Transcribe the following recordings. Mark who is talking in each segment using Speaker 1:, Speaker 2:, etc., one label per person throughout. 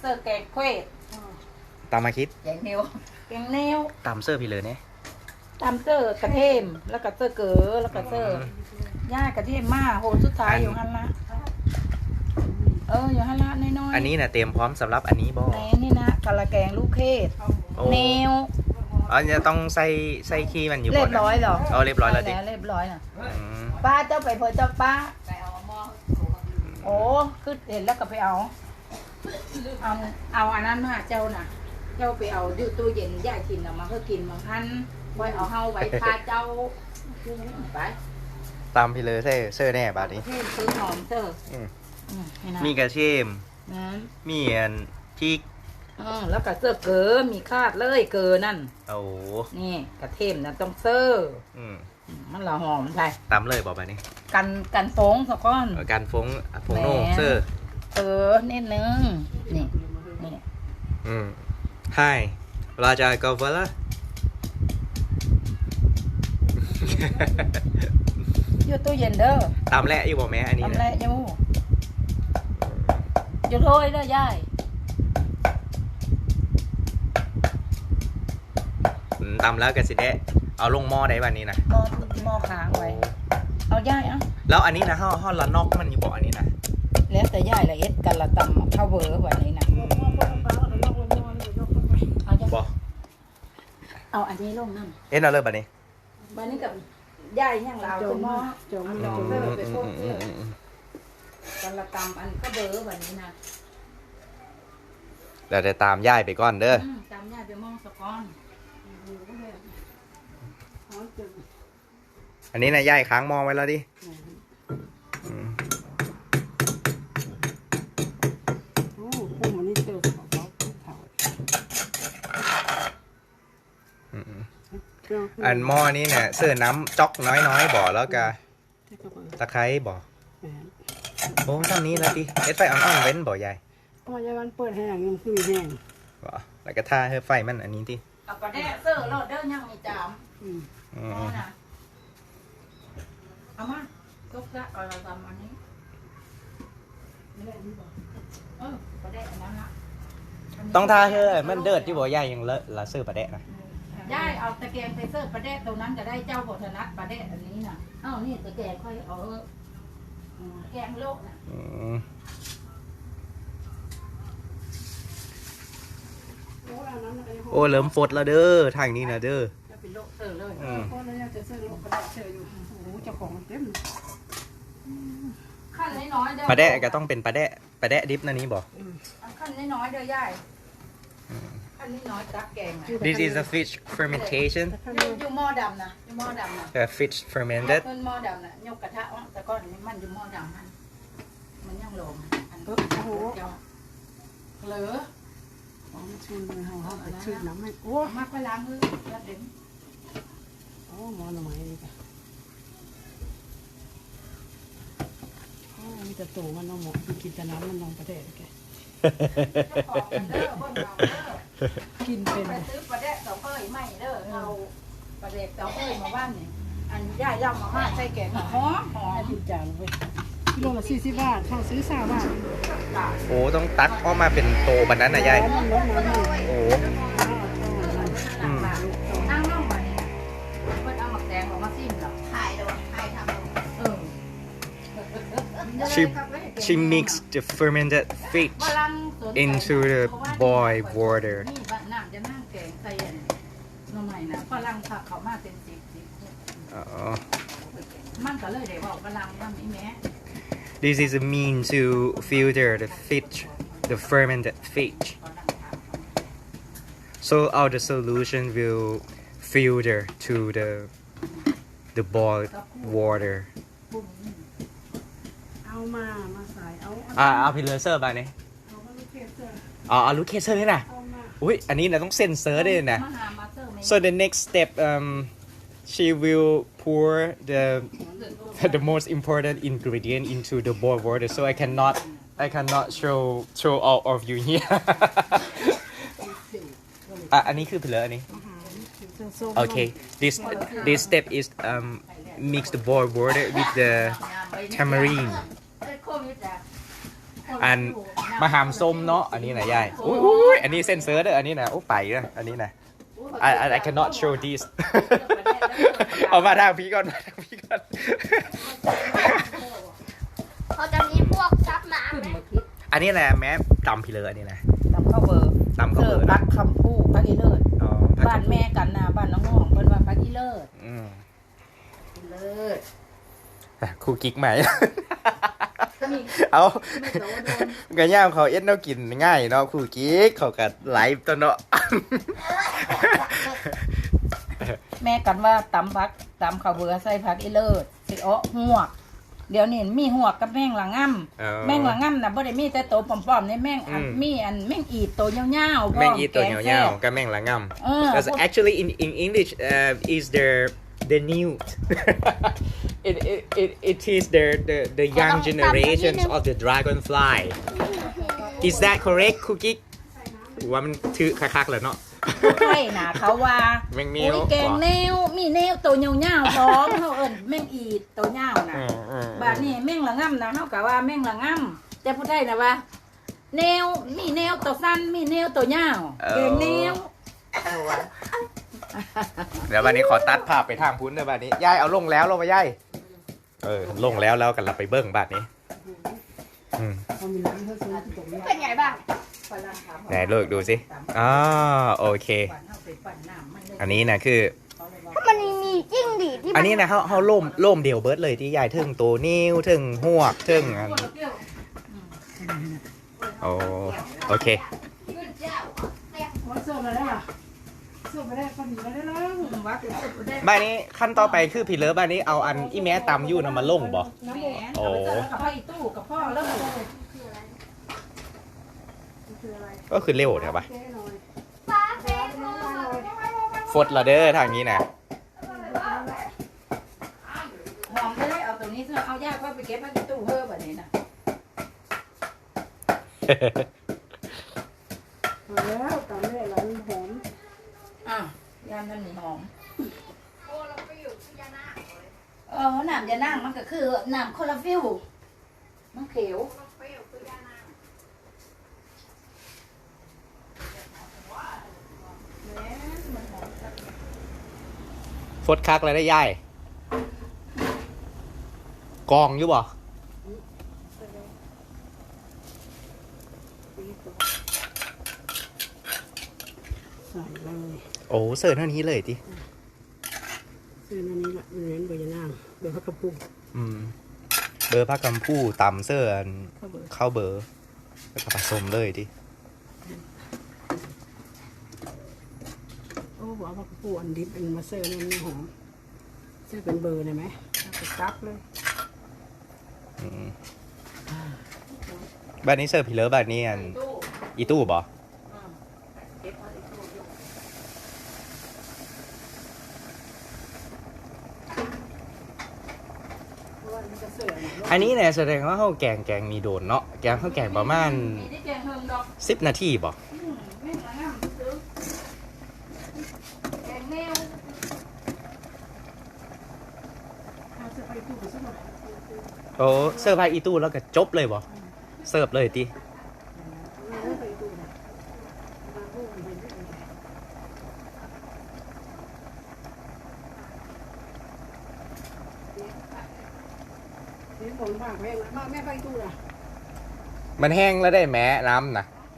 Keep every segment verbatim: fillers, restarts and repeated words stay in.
Speaker 1: เสิร์ฟแกงเควด
Speaker 2: ตามมาคิด
Speaker 1: แกงเนียวแกงเนียว
Speaker 2: ตามเสื้อพี่เลยเนี่ย
Speaker 1: ตามเสิร์ฟกระเทมแล้วก็เสิร์ฟเก๋อแล้วก็เสิร์ฟย่ากระเทมมาโหสุดท้ายอยู่ฮันละเอออยู่ฮันละน้อยๆ
Speaker 2: อันนี้นะเตรียมพร้อมสำหรับอันนี้บ่
Speaker 1: แหนนี่นะกะละแกงลูกเขด
Speaker 2: โอ้
Speaker 1: แนว
Speaker 2: อ๋อจะต้องใส่ใส่ขี้มันอยู่
Speaker 1: เรี
Speaker 2: บ่
Speaker 1: ยบร้อยเหรอ
Speaker 2: เอาเรียบร้อยแล้วดิ
Speaker 1: เรียบร้อยน่ะ
Speaker 2: อืม
Speaker 1: ป้าเจ้าไปเพอเจ้าป้าโอ้คือเห็นแล้วก็ไปเอา เอาเอาอันนั้นมาเจ้าน่ะ เจ้าไปเอาดูตู้เย็นย่ากินเอามาเพื่อกินบางท่านไว้เอาเฮาไว้พาเจ้าไป
Speaker 2: ตามพี่เลยเสื้อเสื้อแน่บาดนี้
Speaker 1: เทศซื้อหอมเถอะ
Speaker 2: อืม
Speaker 1: อืมนี่นะ
Speaker 2: มีกระเทียม
Speaker 1: นะ
Speaker 2: มีอันพริก
Speaker 1: อืมแล้วก็เสื้อเก๋อมีคาดเลยเก๋อนั่น
Speaker 2: โอ้
Speaker 1: นี่กระเทียมนั่นต้องเสื้อ
Speaker 2: อืม
Speaker 1: มันละหอมใช่
Speaker 2: ตามเลยบอกไปนี่
Speaker 1: กันกันฟงสักก้อน
Speaker 2: เออการฟงฟงโน่เสื้อ
Speaker 1: เออนิดนึงนี่นี่
Speaker 2: อืม Hi Raja Gavala
Speaker 1: อยู่ตู้เย็นเด้อ
Speaker 2: ตามแหละอยู่บอกแม่อันนี้
Speaker 1: ทำ
Speaker 2: นะ
Speaker 1: ไรอยู่อยู่โทยเด้อยาย
Speaker 2: อืมตามแล้วก็สิได้เอาลงหม้อได้วันนี้นะ
Speaker 1: หม้อหม้อค้างไว้ เอาย่ายเอ่ะ
Speaker 2: แล้วอันนี้นะห่อห่อละนอกมันอยู่บอกอันนี้นะ
Speaker 1: แล้วแต่ย่ายละเอ็ดกันละตำข้าวเวอร์วันนี้นะเอาจ้ะ
Speaker 2: บอก
Speaker 1: เอาอันนี้ลงนั่น
Speaker 2: เอ็นเอาเลยบัดนี้
Speaker 1: วันนี้กับย่ายย่างลาวคุณหม้อจงลองเลิกไปพวกเลิกกันละตำอันข้าวเวอร์วันนี้นะ
Speaker 2: เดี๋ยวจะตามย่ายไปก่อนเด้อ
Speaker 1: อืมตำย่ายไปมองสะก้อน
Speaker 2: อันนี้นะย่ายค้างหม้อไว้แล้วดิอืม
Speaker 3: โอ้พุ่มอันนี้เจอของเขาเผา
Speaker 2: อืม
Speaker 3: เจ้า
Speaker 2: อันหม้อนี้เนี่ยเสื้อน้ำจ๊อกน้อยๆบ่อแล้วก็
Speaker 3: ที่กระเป๋า
Speaker 2: ตะไคร้บ่อ
Speaker 3: แหวน
Speaker 2: โอ้ทำนี้แล้วดิเอ็ดไฟอ่อนๆเว้นบ่อใหญ่
Speaker 3: เพราะว่าจะวันเปิดแห้งยังคือมีแห้ง
Speaker 2: บ่แล้วก็ท่าให้ไฟมันอันนี้ที่
Speaker 1: เอากระแดะเสื้อโลดเด้อยังมีจาม
Speaker 3: อืม
Speaker 2: อื
Speaker 1: เอา
Speaker 2: ม
Speaker 1: นะเอามาตกละเอาเราทำอันนี้
Speaker 3: ไม่ได้นี่บอก
Speaker 1: เออประเดะอันนั้นละ
Speaker 2: ต้องท่าให้มันเดือดที่บ่อใหญ่ยังเลอะละเสื้อประเดะนะ
Speaker 1: ได้เอาตะแกรงไปเสิร์ฟประเดะตรงนั้นจะได้เจ้าบทนัดประเดะอันนี้น่ะเอ้านี่ตะแกรงค่อยเอาอืมแกงโลกน่ะ
Speaker 2: อืม
Speaker 3: โอ้อันนั้นอะไร
Speaker 2: โอ้เริ่มฟดแล้วเด้อทางนี้นะเด้อ
Speaker 1: จะเป็นโลกเสิร์ฟเลย
Speaker 2: อืม
Speaker 3: เพราะเราอยากจะซื้อลูกกระดาษเจออยู่โอ้โหเจ้าของมันเต็ม
Speaker 1: ขั้นน้อยๆเด้อ
Speaker 2: ประเดะก็ต้องเป็นประเดะประเดะดิบนั่นนี้บ่
Speaker 1: เอาขั้นน้อยๆเด้อยายขั้นน้อยๆตักแกงน่ะ
Speaker 2: This is a fish fermentation
Speaker 1: อยู่อยู่หม้อดำนะอยู่หม้อดำนะ
Speaker 2: a fish fermented
Speaker 1: เพิ่นหม้อดำน่ะยกกระทะวะแต่ก้อนนี้มันอยู่หม้อดำมันมันยังลงอัน
Speaker 3: โอ้โห
Speaker 1: เจ้าเหลือ
Speaker 3: ของชุนเลยเขาเขาไปชื่อน้ำให้โอ้
Speaker 1: เอามาไปล้างมือแล้วเด็น
Speaker 3: โอ้หมอหน่อไม้ดีกว่าโอ้มีแต่ตัวมันเอาหมอกินแต่น้ำมันลองประเดะแก
Speaker 1: ออกกันเด้อเพิ่นเอาเด้อ
Speaker 3: กินเป็น
Speaker 1: ไปซื้อปลาแดะเสาเอ้ยไม่เด้อเอาปลาแดะเสาเอ้ยมาบ้านนี่อันย่าย่ำมาม่าใส่แกงหอมหอ
Speaker 3: ให้
Speaker 1: ม
Speaker 3: กินจานไปกิโลละสี่สิบบาทเขาซื้อสามบาท
Speaker 2: โอ้ต้องตักออกมาเป็นโตบันนั้นนะยาย
Speaker 3: มันลดน้ำให้
Speaker 2: โอ้อืม
Speaker 1: นั่งน้องมาเนี่ยเพิ่นเอาหมักแดงออกมาซิมเหรอถ่ายเด้อถ่ายทำเออ
Speaker 2: she she mixed the fermented fish
Speaker 1: ฝรั่งสนใจ
Speaker 2: into the boiled water
Speaker 1: นี่บ้านน้ำจะนั่งแกงใส่อันหน่อไม้นะฝรั่งผักเขามาเป็นสิบสิบ
Speaker 2: อ๋อ
Speaker 1: มันก็เลยได้บอกฝรั่งว่ามีแม่
Speaker 2: This is a mean to filter the fish the fermented fish so all the solution will filter to the the boiled water
Speaker 3: เอามามาใส่เอา
Speaker 2: อ่าเอาพิลเลอร์เซอร์มาเนี่ย
Speaker 3: เอามาลูกเทสเตอร์
Speaker 2: อ๋อเอาลูกเคเซอร์นี่นะ
Speaker 3: เอามา
Speaker 2: อุ้ยอันนี้นะต้องเซ็นเซอร์ด้วยนะ
Speaker 1: มาหามาเซอร์ไหม
Speaker 2: So the next step, um, she will pour the the most important ingredient into the boiled water. So I cannot, I cannot show show all of you here. อ่ะอันนี้คือเพลออันนี้ Okay, this this step is um mix the boiled water with the tamarind and มาหามส้มเนาะอันนี้นะยายอุ้ยอุ้ยอันนี้เส้นเซอร์เด้ออันนี้นะโอ้ไปนะอันนี้นะ I I I cannot show this เอามาทางพี่ก่อนมาทางพี่ก่อน
Speaker 4: เขาจะมีพวกซับน้ำไหม
Speaker 2: อันนี้นะแม่ตำพี่เลยอันนี้นะ
Speaker 1: ตำข้าวเบอร์
Speaker 2: ตำข้าวเบอร์
Speaker 1: พักคำพูพักอีเลิศ
Speaker 2: อ๋อ
Speaker 1: บ้านแม่กันนะบ้านน้องห้องเพิ่นว่าพักอีเลิศ
Speaker 2: อืม
Speaker 1: เลิศ
Speaker 2: แต่ครูกิ๊กใหม่ เอากระย่ามเขาเอ็ดเนากินง่ายเนาะครูกิ๊กเขากัดไลฟ์ตัวเนาะ
Speaker 1: แม่กันว่าตำพักตำข้าวเบอร์ใส่พักอีเลิศสิอ้อหวก เดี๋ยวนี้มีหัวกับแม่งละง่ำแม่งละง่ำนะบ่ได้มีแต่โตป้อมๆในแม่งอันมีอันแม่งอีดโตยาวๆ
Speaker 2: แม่งอีตัวยาวๆก็แม่งละง่ำ Because actually in in English uh, is the the new it, it it it is the the the young generations of the dragonfly is that correct ครูกิ๊กว่ามันถือคักๆเลยเนาะ
Speaker 1: ใช่นะเขาว่า
Speaker 2: แม่งแนว
Speaker 1: โอ้ยแกงแนวมีแนวโตยาวๆพร้อมเขาเอิ้นแม่งอีดโตยาวนะบาดนี้แม่งละง่ำนะเฮากะว่าแม่งละง่ำแต่ผู้ไทยนะว่าแนวมีแนวโตสั้นมีแนวโตยาวแกงแนวเอาวะ
Speaker 2: เดี๋ยววันนี้ขอตัดภาพไปทางพุ้นเลยบัดนี้ยายเอาลงแล้วลงไปยายเออลงแล้วแล้วกันเราไปเบิ้งบัดนี้อืม
Speaker 3: เขามีน้ำเขาซื้อที่ตรงนี้
Speaker 4: เป็นไงบ้าง
Speaker 2: ไหนเลิกดูสิอ๋อโอเค อันนี้นะคือ
Speaker 4: มันมีจิ้งหรีดที่
Speaker 2: อันนี้นะเขาเขาล่มล่มเดียวเบิร์ดเลยที่ยายถึงตัวนิ้วถึงหัวถึงอันโอ้โอเค
Speaker 3: ว่าส้มมาได้ป่ะส้มมาได้ก็ดีมาได้แล้ว
Speaker 2: บ้านนี้ขั้นต่อไปคือพี่เลิฟบ้านนี้เอาอันอีแม่ตำอยู่นำมาลงบ่
Speaker 1: น้ำแหนเอาไปเจอกับพ่ออีตู้กับพ่อแล้วมัน
Speaker 2: ก็คือเร็วใช่ปะ
Speaker 4: ฟ้าเฟซ
Speaker 2: ฟดละเด้อทางนี้นะ
Speaker 1: หอมจะได้เอาตัวนี้เสื้อเอายากว่าไปเก็บพ่ออีตู้เพิ่มแบบนี้นะ
Speaker 3: แล้วตอนแรกร้านหอม
Speaker 1: อ่ะยามนั้นมีหอมเออน้ำยานั่งมันก็คือน้ำคอลลาฟิลมันเขียว
Speaker 2: ฟดคักเลยได้ย่ายกองอยู่บ่
Speaker 3: ใส่เลย
Speaker 2: โอ้เสิร์ฟเท่านี้เลยติ
Speaker 3: ซื้อนั่นนี่ละเน้นใบยะนางเดี๋ยวเขากระปุก
Speaker 2: อืมเบอร์พักกำพูตำเสื้ออันเข้าเบอร์แล้วก็ผสมเลยดิ
Speaker 3: โอ้หัวเขากระปุกอันดิบเป็นมาเซอร์นั่นนี่หอมเสื้อเป็นเบอร์ได้ไหมเอาไปซับเลย
Speaker 2: อืมบ้านนี้เสิร์ฟพี่เลิฟบ้านนี้อันอีตู้บ่
Speaker 1: เก็บพ่ออีตู้อยู่
Speaker 3: เพราะว่ามันจะเสิร์ฟเนี่ย
Speaker 2: อันนี้เนี่ยแสดงว่าเขาแกงแกงมีโดนเนาะแกงเขาแกงประมาณ
Speaker 1: มีได้แกงเฮิงดอก
Speaker 2: สิบนาทีบ่
Speaker 1: อืมแม่งละง่ำซื้อแกงแนว
Speaker 3: เอาเสื้อไปตู้ไปสักหน่อย
Speaker 2: โอ้เสิร์ฟไปอีตู้แล้วก็จบเลยบ่เสิร์ฟเลยติ
Speaker 3: เอาไปตู้นะมาพูดมันเป็นเรื่องอะไรเดี๋ยวผมฝากแม่มาแม่ไปตู้นะ
Speaker 2: มันแห้งแล้วได้แม้น้ำนะ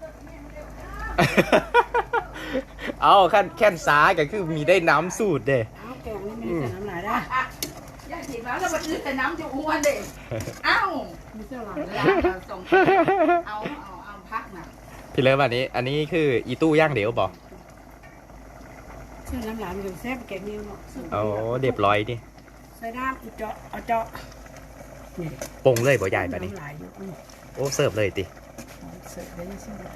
Speaker 2: เอาขั้นแค่นซ้ายก็คือมีได้น้ำสูตรเด้
Speaker 3: เอาแกงนี่มีแต่น้ำลายได้
Speaker 1: อ่ะย่าถิ่นแล้วแล้วมันอื้อแต่น้ำจะอ้วนเด็เอ้า
Speaker 3: มีเสื้อหลัง
Speaker 1: เว
Speaker 3: ได้
Speaker 1: ลาเราส่งเอาเอาเอาพักน่ะ
Speaker 2: พี่เลิฟอันนี้ อันนี้คืออีตู้ย่างเดี๋ยวบอก
Speaker 3: เสื้อน้ำลายมันอยู่แซ่บแกงนี่เนาะ
Speaker 2: โอ้เรียบร้อยดิ
Speaker 3: ใส่น้ำอีเจาะเอาเจาะนี่
Speaker 2: ปรุงเลยบ่ใหญ่แบบนี้
Speaker 3: น้ำลายอยู่อืม
Speaker 2: โอ้เสิร์ฟเลยติ
Speaker 3: เสิร์ฟได้เสิร์ฟ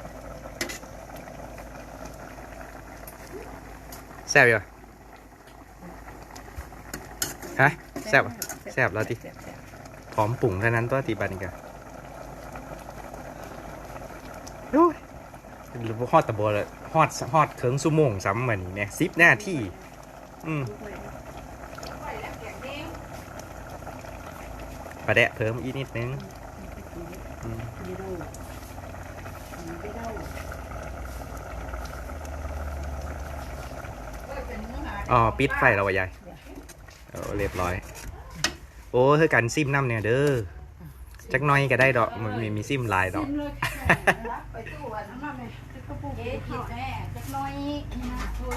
Speaker 2: แซ่บอยู่ฮะแซ่บแซ่บแล้วติพร้อมปรุงเท่านั้นตัวติบันกันโอ้ยฮอดตะโบเลยฮอดฮอดเคิงสุโมงซ้ำเหมือนเนี่ยสิบหน้าที่อืมปลาแดะเพิ่มอีกนิดนึงอืมอ๋อปิดไฟแล้ววะยายโอ้เรียบร้อยโอ้เธอกันซิมน้ำเนี่ยเด้อจักหน้อยก็ได้ดอกมันมีมีซิมลายดอก
Speaker 1: ไปตู้อันนั้นมาไหมก็ปูกินแม่จักน้อย